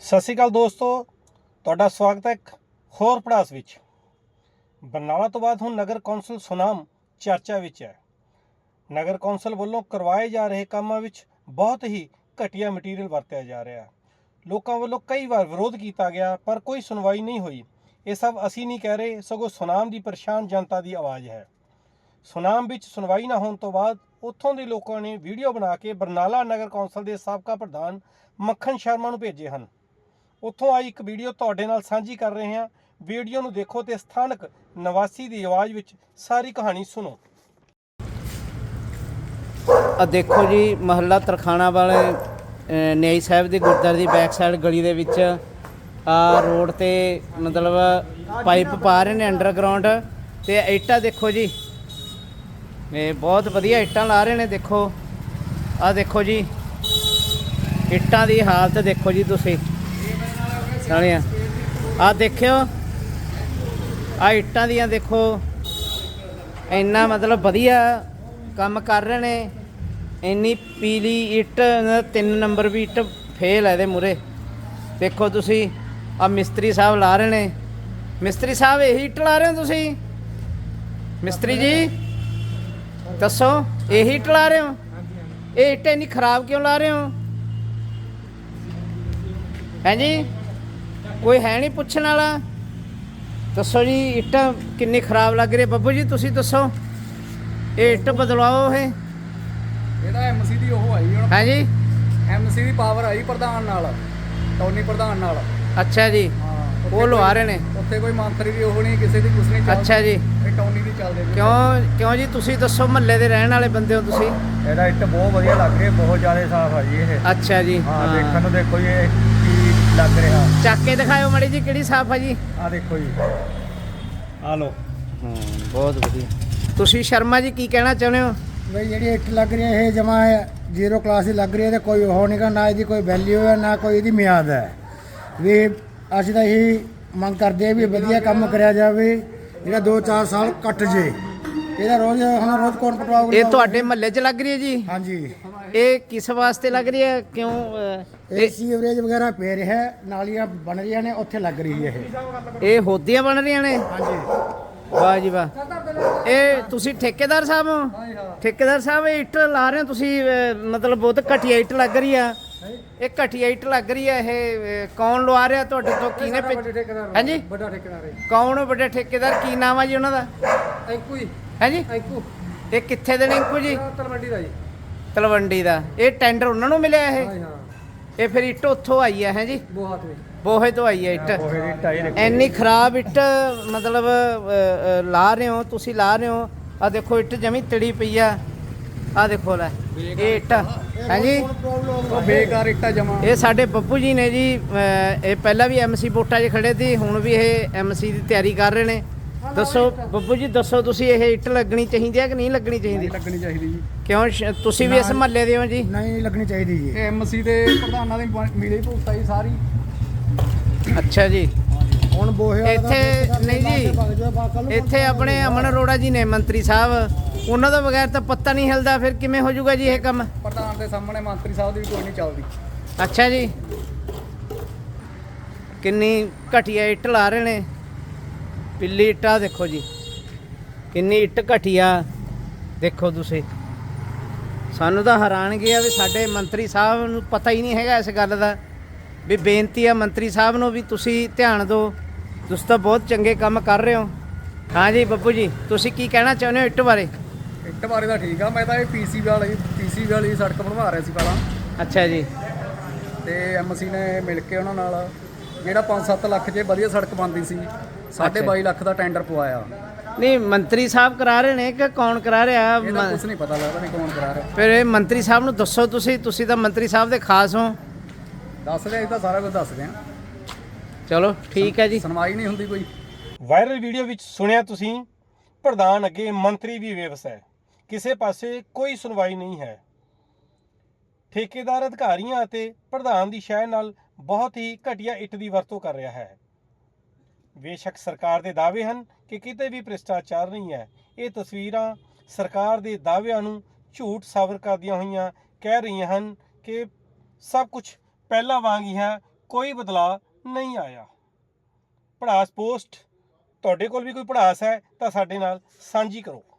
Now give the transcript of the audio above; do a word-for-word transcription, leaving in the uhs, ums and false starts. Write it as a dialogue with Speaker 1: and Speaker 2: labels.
Speaker 1: ਸਤਿ ਸ਼੍ਰੀ ਅਕਾਲ ਦੋਸਤੋ, ਤੁਹਾਡਾ ਸਵਾਗਤ ਹੈ ਇੱਕ ਹੋਰ ਪੜਾਸ ਵਿੱਚ। ਬਰਨਾਲਾ ਤੋਂ ਬਾਅਦ ਹੁਣ ਨਗਰ ਕੌਂਸਲ ਸੁਨਾਮ ਚਰਚਾ ਵਿੱਚ ਹੈ। ਨਗਰ ਕੌਂਸਲ ਵੱਲੋਂ ਕਰਵਾਏ ਜਾ ਰਹੇ ਕੰਮਾਂ ਵਿੱਚ ਬਹੁਤ ਹੀ ਘਟੀਆ ਮਟੀਰੀਅਲ ਵਰਤਿਆ ਜਾ ਰਿਹਾ। ਲੋਕਾਂ ਵੱਲੋਂ ਕਈ ਵਾਰ ਵਿਰੋਧ ਕੀਤਾ ਗਿਆ ਪਰ ਕੋਈ ਸੁਣਵਾਈ ਨਹੀਂ ਹੋਈ। ਇਹ ਸਭ ਅਸੀਂ ਨਹੀਂ ਕਹਿ ਰਹੇ, ਸਗੋਂ ਸੁਨਾਮ ਦੀ ਪਰੇਸ਼ਾਨ ਜਨਤਾ ਦੀ ਆਵਾਜ਼ ਹੈ। ਸੁਨਾਮ ਵਿੱਚ ਸੁਣਵਾਈ ਨਾ ਹੋਣ ਤੋਂ ਬਾਅਦ ਉੱਥੋਂ ਦੇ ਲੋਕਾਂ ਨੇ ਵੀਡੀਓ ਬਣਾ ਕੇ ਬਰਨਾਲਾ ਨਗਰ ਕੌਂਸਲ ਦੇ ਸਾਬਕਾ ਪ੍ਰਧਾਨ ਮੱਖਣ ਸ਼ਰਮਾ ਨੂੰ ਭੇਜੇ ਹਨ। ਉੱਥੋਂ ਆਈ ਇੱਕ ਵੀਡੀਓ ਤੁਹਾਡੇ ਨਾਲ ਸਾਂਝੀ ਕਰ ਰਹੇ ਹਾਂ। ਵੀਡੀਓ ਨੂੰ ਦੇਖੋ ਤੇ ਸਥਾਨਕ ਨਿਵਾਸੀ ਦੀ ਆਵਾਜ਼ ਵਿੱਚ ਸਾਰੀ ਕਹਾਣੀ ਸੁਣੋ।
Speaker 2: ਆ ਦੇਖੋ ਜੀ, ਮਹੱਲਾ ਤਰਖਾਣਾ ਵਾਲੇ ਨਿਆਈ ਸਾਹਿਬ ਦੇ ਗੁਰਦੁਆਰੇ ਦੀ ਬੈਕ ਸਾਈਡ ਗਲੀ ਦੇ ਵਿੱਚ ਆ ਰੋਡ ਤੇ ਮਤਲਬ ਪਾਈਪ ਪਾ ਰਹੇ ਨੇ ਅੰਡਰਗਰਾਉਂਡ। ਤੇ ਇੱਟਾਂ ਦੇਖੋ ਜੀ, ਇਹ ਬਹੁਤ ਵਧੀਆ ਇੱਟਾਂ ਲਾ ਰਹੇ ਨੇ। ਦੇਖੋ ਆ ਦੇਖੋ ਜੀ, ਇੱਟਾਂ ਦੀ ਹਾਲਤ ਦੇਖੋ ਜੀ ਤੁਸੀਂ ਸਾਲਿਆ। ਆ ਦੇਖਿਓ ਆ ਇੱਟਾਂ ਦੀਆਂ ਦੇਖੋ, ਇੰਨਾ ਮਤਲਬ ਵਧੀਆ ਕੰਮ ਕਰ ਰਹੇ ਨੇ। ਇੰਨੀ ਪੀਲੀ ਇੱਟ, ਤਿੰਨ ਨੰਬਰ ਵੀ ਇੱਟ ਫੇਲ ਹੈ ਇਹਦੇ ਮੂਹਰੇ। ਦੇਖੋ ਤੁਸੀਂ ਆ ਮਿਸਤਰੀ ਸਾਹਿਬ ਲਾ ਰਹੇ ਨੇ। ਮਿਸਤਰੀ ਸਾਹਿਬ ਇਹੀ ਇੱਟ ਲਾ ਰਹੇ ਹੋ ਤੁਸੀਂ? ਮਿਸਤਰੀ ਜੀ ਦੱਸੋ, ਇਹੀ ਇੱਟ ਲਾ ਰਹੇ ਹੋ? ਇਹ ਇੱਟ ਇੰਨੀ ਖਰਾਬ ਕਿਉਂ ਲਾ ਰਹੇ ਹੋ? ਹੈਂ ਜੀ, ਕੋਈ ਹੈ ਨਹੀਂ ਪੁੱਛਣ ਵਾਲਾ? ਦੱਸੋ ਜੀ, ਇੱਟ ਕਿੰਨੀ ਖਰਾਬ ਲੱਗ ਰਹੀ? ਬੱਬੂ ਜੀ ਤੁਸੀਂ ਦੱਸੋ, ਇਹ ਇੱਟ ਬਦਲਾਓ। ਇਹ
Speaker 3: ਇਹਦਾ ਐਮਸੀ ਦੀ ਉਹ ਆਈ ਹੁਣ।
Speaker 2: ਹੈ ਜੀ,
Speaker 3: ਐਮਸੀ ਦੀ ਪਾਵਰ ਆਈ ਪ੍ਰਧਾਨ ਨਾਲ, ਟੌਨੀ ਪ੍ਰਧਾਨ ਨਾਲ।
Speaker 2: ਅੱਛਾ ਜੀ,
Speaker 3: ਹਾਂ,
Speaker 2: ਉਹ ਲਵਾ ਰਹੇ ਨੇ।
Speaker 3: ਉੱਥੇ ਕੋਈ ਮੰਤਰੀ ਦੀ ਉਹ ਨਹੀਂ, ਕਿਸੇ ਦੀ ਕੁਛ ਨਹੀਂ ਚੱਲਦੀ।
Speaker 2: ਅੱਛਾ ਜੀ,
Speaker 3: ਇਹ ਟੌਨੀ ਦੀ ਚੱਲਦੇ ਨੇ।
Speaker 2: ਕਿਉਂ ਕਿਉਂ ਜੀ? ਤੁਸੀਂ ਦੱਸੋ, ਮਹੱਲੇ ਦੇ ਰਹਿਣ ਵਾਲੇ ਬੰਦੇ ਹੋ ਤੁਸੀਂ।
Speaker 3: ਇਹਦਾ ਇੱਟ ਬਹੁਤ ਵਧੀਆ ਲੱਗ ਰਹੀ ਹੈ, ਬਹੁਤ ਜ਼ਿਆਦਾ ਸਾਫ਼ ਆ ਜੀ ਇਹ।
Speaker 2: ਅੱਛਾ ਜੀ,
Speaker 3: ਹਾਂ, ਦੇਖਣ ਨੂੰ ਦੇਖੋ ਜੀ ਇਹ ਕੀ ਲੱਗ ਰਿਹਾ।
Speaker 2: ਚੱਕ ਕੇ ਦਿਖਾਇਓ ਮਾੜੀ ਜੀ, ਕਿਹੜੀ ਸਾਫ਼ ਆ ਜੀ?
Speaker 3: ਆ ਦੇਖੋ ਜੀ, ਆ ਲੋ।
Speaker 2: ਹਾਂ, ਬਹੁਤ ਵਧੀਆ। ਤੁਸੀਂ ਸ਼ਰਮਾ ਜੀ ਕੀ ਕਹਿਣਾ ਚਾਹੁੰਦੇ ਹੋ?
Speaker 4: ਬਈ ਜਿਹੜੀ ਇੱਟ ਲੱਗ ਰਹੀ ਹੈ ਇਹ ਜਮਾ ਜ਼ੀਰੋ ਕਲਾਸ ਦੀ ਲੱਗ ਰਹੀ ਹੈ ਤੇ ਕੋਈ ਉਹ ਨਹੀਂ ਗਾ, ਨਾ ਇਹਦੀ ਕੋਈ ਵੈਲਿਊ ਹੈ ਨਾ ਕੋਈ ਇਹਦੀ ਮਿਆਦ ਹੈ। ਵੀ ਅਸੀਂ ਤਾਂ ਇਹੀ ਮੰਗ ਕਰਦੇ ਹਾਂ ਵੀ ਵਧੀਆ ਕੰਮ ਕਰਿਆ ਜਾਵੇ, ਜਿਹੜਾ ਦੋ ਚਾਰ ਸਾਲ ਕੱਟ ਜੇ। ਇਹਦਾ ਰੋਜ਼ ਹੁਣ ਰੋਜ਼ ਕੌਣ ਪਟਵਾਊਗਾ?
Speaker 2: ਇਹ ਤੁਹਾਡੇ ਮਹੱਲੇ 'ਚ ਲੱਗ ਰਹੀ ਹੈ ਜੀ?
Speaker 4: ਹਾਂਜੀ।
Speaker 2: ਇਹ ਕਿਸ ਵਾਸਤੇ ਲੱਗ ਰਹੀ ਹੈ? ਕਿਉਂ? ਅਹ,
Speaker 4: ਇਹ ਸੀਵਰੇਜ ਵਗੈਰਾ ਪੈ ਰਿਹਾ ਹੈ, ਨਾਲੀਆਂ ਬਣ ਰਹੀਆਂ ਨੇ, ਉੱਥੇ ਲੱਗ ਰਹੀ ਹੈ ਇਹ।
Speaker 2: ਇਹ ਹੋਦੀਆਂ ਬਣ ਰਹੀਆਂ ਨੇ?
Speaker 4: ਹਾਂਜੀ।
Speaker 2: ਵਾਹ ਜੀ ਵਾਹ। ਇਹ ਤੁਸੀਂ ਠੇਕੇਦਾਰ ਸਾਹਿਬ ਹੋ? ਠੇਕੇਦਾਰ ਸਾਹਿਬ, ਇਹ ਇੱਟ ਲਾ ਰਹੇ ਹੋ ਤੁਸੀਂ? ਅਹ, ਮਤਲਬ ਬਹੁਤ ਘਟੀਆ ਇੱਟ ਲੱਗ ਰਹੀ ਆ। ਇਹ ਘਟੀਆ ਇੱਟ ਲੱਗ ਰਹੀ ਹੈ। ਇਹ ਅਹ, ਕੌਣ ਲਵਾ ਰਿਹਾ ਤੁਹਾਡੇ ਤੋਂ? ਕਿਹਨੇ ਭੇਜ? ਹਾਂਜੀ,
Speaker 3: ਵੱਡਾ ਠੇਕੇਦਾਰ ਹੈ।
Speaker 2: ਕੌਣ ਵੱਡੇ ਠੇਕੇਦਾਰ? ਕੀ ਨਾਮ ਆ ਜੀ ਉਹਨਾਂ ਦਾ?
Speaker 3: ਐਂਕੂ ਜੀ,
Speaker 2: ਹਾਂਜੀ,
Speaker 3: ਐਂਕੂ।
Speaker 2: ਇਹ ਕਿੱਥੇ ਦੇ ਨੇ ਇੰਕੂ ਜੀ?
Speaker 3: ਤਲਵੰਡੀ ਦਾ ਜੀ।
Speaker 2: ਤਲਵੰਡੀ ਦਾ। ਇਹ ਟੈਂਡਰ ਉਹਨਾਂ ਨੂੰ ਮਿਲਿਆ ਇਹ?
Speaker 3: ਹਾਂ,
Speaker 2: ਇਹ ਫਿਰ ਇੱਟ ਉੱਥੋਂ ਆਈ ਹੈ? ਹੈ ਜੀ,
Speaker 3: ਬਹੁਤ ਵੀ
Speaker 2: ਬੋਹੇ ਤੋਂ ਆਈ ਹੈ ਇੱਟ।
Speaker 3: ਉਹ ਦੀ ਇੱਟ ਆਈ ਦੇਖੋ।
Speaker 2: ਇੰਨੀ ਖਰਾਬ ਇੱਟ ਮਤਲਬ ਅਹ, ਅਹ, ਲਾ ਰਹੇ ਹੋ ਤੁਸੀਂ, ਲਾ ਰਹੇ ਹੋ। ਆ ਦੇਖੋ ਇੱਟ ਜਮੀ ਤੜੀ ਪਈ ਆ। ਆ ਦੇਖੋ ਲੈ, ਇਹ ਇੱਟ ਹੈ ਜੀ,
Speaker 3: ਉਹ ਬੇਕਾਰ ਇੱਟਾਂ ਜਮਾ।
Speaker 2: ਇਹ ਸਾਡੇ ਬੱਬੂ ਜੀ ਨੇ ਜੀ। ਅਹ, ਇਹ ਪਹਿਲਾਂ ਵੀ ਐਮਸੀ ਵੋਟਾਂ 'ਚ ਖੜੇ ਸੀ, ਹੁਣ ਵੀ ਇਹ ਐਮਸੀ ਦੀ ਤਿਆਰੀ ਕਰ ਰਹੇ ਨੇ। ਦੱਸੋ ਬੱਬੂ ਜੀ, ਦੱਸੋ ਤੁਸੀਂ, ਇਹ ਇੱਟ ਲੱਗਣੀ ਚਾਹੀਦੀ ਹੈ ਕਿ ਨਹੀਂ ਲੱਗਣੀ ਚਾਹੀਦੀ?
Speaker 3: ਲੱਗਣੀ ਚਾਹੀਦੀ ਜੀ।
Speaker 2: ਕਿਉਂ? ਸ਼- ਤੁਸੀਂ ਵੀ ਇਸ ਮਹੱਲੇ ਦੇ ਹੋ ਜੀ?
Speaker 4: ਨਹੀਂ ਲੱਗਣੀ ਚਾਹੀਦੀ ਜੀ।
Speaker 3: ਇਹ ਐਮਸੀ ਦੇ ਪ੍ਰਧਾਨਾਂ ਦੀ ਮਿਲੀ ਭੁਗਤਾ ਜੀ ਸਾਰੀ।
Speaker 2: ਅੱਛਾ ਜੀ।
Speaker 4: ਹੁਣ ਬੋਹੇ ਵਾਲਾ ਦਾ
Speaker 2: ਇੱਥੇ
Speaker 4: ਦੋ
Speaker 2: ਨਹੀਂ
Speaker 4: ਲਾ ਕੇ ਵਗ ਜਾਓ, ਬਾ- ਕੱਲ੍ਹ ਨੂੰ
Speaker 2: ਜੀ, ਇੱਥੇ ਆਪਣੇ ਅਮਨ ਅਰੋੜਾ ਜੀ ਨੇ ਮੰਤਰੀ ਸਾਹਿਬ, ਉਹਨਾਂ ਤੋਂ ਬਗੈਰ ਤਾਂ ਪੱਤਾ ਨਹੀਂ ਹਿਲਦਾ। ਫਿਰ ਕਿਵੇਂ ਹੋ ਜਾਊਗਾ ਜੀ ਇਹ ਕੰਮ?
Speaker 3: ਪ੍ਰਧਾਨ ਦੇ ਸਾਹਮਣੇ ਮੰਤਰੀ ਸਾਹਿਬ ਦੀ ਵੀ ਕੋਈ ਨਹੀਂ ਚੱਲਦੀ।
Speaker 2: ਅੱਛਾ ਜੀ, ਕਿੰਨੀ ਘਟੀਆ ਇੱਟ ਲਾ ਰਹੇ ਨੇ। ਪਿੱਲੀ ਇੱਟਾਂ ਦੇਖੋ ਜੀ, ਕਿੰਨੀ ਇੱਟ ਘਟੀਆ ਦੇਖੋ ਤੁਸੀਂ। ਸਾਨੂੰ ਤਾਂ ਹੈਰਾਨਗੀ ਆ ਵੀ ਸਾਡੇ ਮੰਤਰੀ ਸਾਹਿਬ ਨੂੰ ਪਤਾ ਹੀ ਨਹੀਂ ਹੈਗਾ ਇਸ ਗੱਲ ਦਾ। ਵੀ ਬੇਨਤੀ ਆ ਮੰਤਰੀ ਸਾਹਿਬ ਨੂੰ ਵੀ ਤੁਸੀਂ ਧਿਆਨ ਦਿਓ, ਤੁਸੀਂ ਤਾਂ ਬਹੁਤ ਚੰਗੇ ਕੰਮ ਕਰ ਰਹੇ ਹੋ। ਹਾਂ ਜੀ ਬੱਬੂ ਜੀ, ਤੁਸੀਂ ਕੀ ਕਹਿਣਾ ਚਾਹੁੰਦੇ ਹੋ ਇੱਟ ਬਾਰੇ?
Speaker 3: ਇੱਟ ਬਾਰੇ ਤਾਂ ਠੀਕ ਆ, ਮੈਂ ਤਾਂ ਇਹ ਪੀਸੀ ਵਾਲੀ ਪੀਸੀ ਵਾਲੀ ਸੜਕ ਬਣਵਾ ਰਿਹਾ ਸੀ ਪਹਿਲਾਂ।
Speaker 2: ਅੱਛਾ ਜੀ।
Speaker 3: ਤੇ ਐਮਸੀ ਨੇ ਮਿਲ ਕੇ ਉਹਨਾਂ ਨਾਲ ਜਿਹੜਾ ਪੰਜ ਸੱਤ ਲੱਖ 'ਚ ਵਧੀਆ ਸੜਕ ਬਣਦੀ ਸੀ, ਸਾਢੇ ਬਾਈ ਲੱਖ ਦਾ ਟੈਂਡਰ ਪਵਾਇਆ।
Speaker 2: ਨਹੀਂ, ਮੰਤਰੀ ਸਾਹਿਬ ਕਰਾ ਰਹੇ ਨੇ ਕਿ ਕੌਣ ਕਰਾ ਰਿਹਾ?
Speaker 3: ਇਹਦਾ
Speaker 2: ਮ-
Speaker 3: ਕੁਝ ਨਹੀਂ ਪਤਾ ਲੱਗਦਾ ਨਹੀਂ ਕੌਣ ਕਰਾ ਰਿਹਾ।
Speaker 2: ਫਿਰ ਇਹ ਮੰਤਰੀ ਸਾਹਿਬ ਨੂੰ ਦੱਸੋ ਤੁਸੀਂ, ਤੁਸੀਂ ਤਾਂ ਮੰਤਰੀ ਸਾਹਿਬ ਦੇ ਖਾਸ ਹੋ।
Speaker 3: ਦੱਸਦੇ ਅਸੀਂ ਤਾਂ ਸਾਰਾ ਕੁਝ ਦੱਸਦੇ ਹਾਂ।
Speaker 2: ਚਲੋ ਠੀਕ ਹੈ ਜੀ।
Speaker 3: ਸੁਣਵਾਈ ਨਹੀਂ ਹੁੰਦੀ ਕੋਈ।
Speaker 1: ਵਾਇਰਲ ਵੀਡੀਓ ਵਿੱਚ ਸੁਣਿਆ ਤੁਸੀਂ, ਪ੍ਰਧਾਨ ਅੱਗੇ ਮੰਤਰੀ ਵੀ ਬੇਵਸ ਹੈ, ਕਿਸੇ ਪਾਸੇ ਕੋਈ ਸੁਣਵਾਈ ਨਹੀਂ ਹੈ। ਠੇਕੇਦਾਰ ਅਧਿਕਾਰੀਆਂ ਅਤੇ ਪ੍ਰਧਾਨ ਦੀ ਸ਼ਹਿ ਨਾਲ ਬਹੁਤ ਹੀ ਘਟੀਆ ਇੱਟ ਦੀ ਵਰਤੋਂ ਕਰ ਰਿਹਾ ਹੈ। ਬੇਸ਼ੱਕ ਸਰਕਾਰ ਦੇ ਦਾਅਵੇ ਹਨ ਕਿ ਕਿਤੇ ਵੀ ਭ੍ਰਿਸ਼ਟਾਚਾਰ ਨਹੀਂ ਹੈ। ਇਹ ਤਸਵੀਰਾਂ ਸਰਕਾਰ ਦੇ ਦਾਅਵਿਆਂ ਨੂੰ ਝੂਠ ਸਾਬਤ ਕਰਦੀਆਂ ਹੋਈਆਂ ਕਹਿ ਰਹੀਆਂ ਹਨ ਕਿ ਸਭ ਕੁਝ ਪਹਿਲਾਂ ਵਾਂਗ ਹੀ ਹੈ, ਕੋਈ ਬਦਲਾਅ ਨਹੀਂ ਆਇਆ। ਭੜਾਸ ਪੋਸਟ, ਤੁਹਾਡੇ ਕੋਲ ਵੀ ਕੋਈ ਭੜਾਸ ਹੈ ਤਾਂ ਸਾਡੇ ਨਾਲ ਸਾਂਝੀ ਕਰੋ।